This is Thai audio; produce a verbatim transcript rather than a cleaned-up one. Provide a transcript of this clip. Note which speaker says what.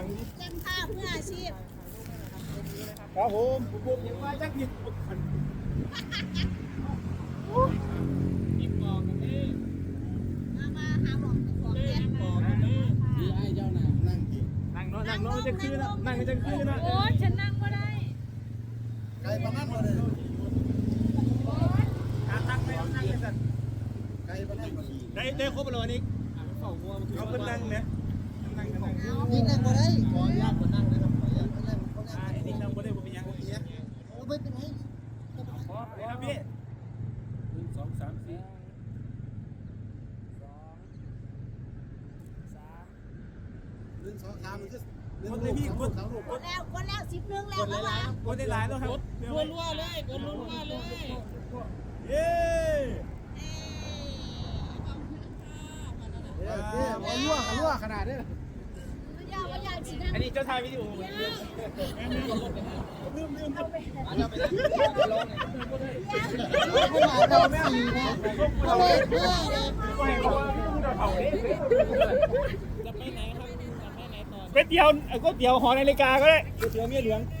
Speaker 1: จังท่าเพื่ออาชีพ
Speaker 2: ครับผมผมยังว่าจักผิดยิบบอกกันนี่
Speaker 1: มามาหาบอกของเล่น
Speaker 2: บอกกันนี่
Speaker 3: ดีไอ้เจ้าน่ะนั่งกิน
Speaker 2: นั่งเนาะนั่งเนาะจะคืนนะนั่งจะคืนนะ
Speaker 1: โอ้ยฉันนั่งก็ได้
Speaker 3: ไก่ปะนั่งมาเลย
Speaker 2: การตั้งไม่นั่งเลยสัตว์
Speaker 3: ไก่ปะนั่งมาดี
Speaker 2: ได้ได้ครบเลยนี่เขาเป็นนั่งเนี่ยนั่งกันนั่ง
Speaker 3: นี่นั่งมาได้ขออนุญาตมานั่งนะครับขออนุญาตมานั่งเขานั่ง
Speaker 2: อ่านี่นั่งบ่ได้บ่เป็นยัง
Speaker 3: โอ้ไม่เป็นไร
Speaker 2: ขอครับพี่หนึ่งสองสามสี่
Speaker 3: หนึ่งสองสามมันก็
Speaker 2: คนเลยพี่คน
Speaker 3: สองลูก
Speaker 1: กดแล้วกดแล้วสิบนึงแล้วแล้ววะ
Speaker 2: คนได้หลายแล้วครับ
Speaker 4: รัวๆเลยกดรัวๆเลย
Speaker 2: เย้
Speaker 3: เออเนี่ยมันรั่วกันรั่วขนาดนี้
Speaker 1: ยาวายาวสินะ
Speaker 2: อันนี้เจ้าทายวิดีโอลืมลืม
Speaker 3: เข้ามาเราสี่นะเขาเลยเพื่อเลย
Speaker 4: จะไปไหนครับจะไปไหนต่อ
Speaker 2: ก๋วยเตี๋ยวก๋วยเตี๋ยวหอนาฬิกาก็ได้ก๋วยเตี๋ยวเมียหลวง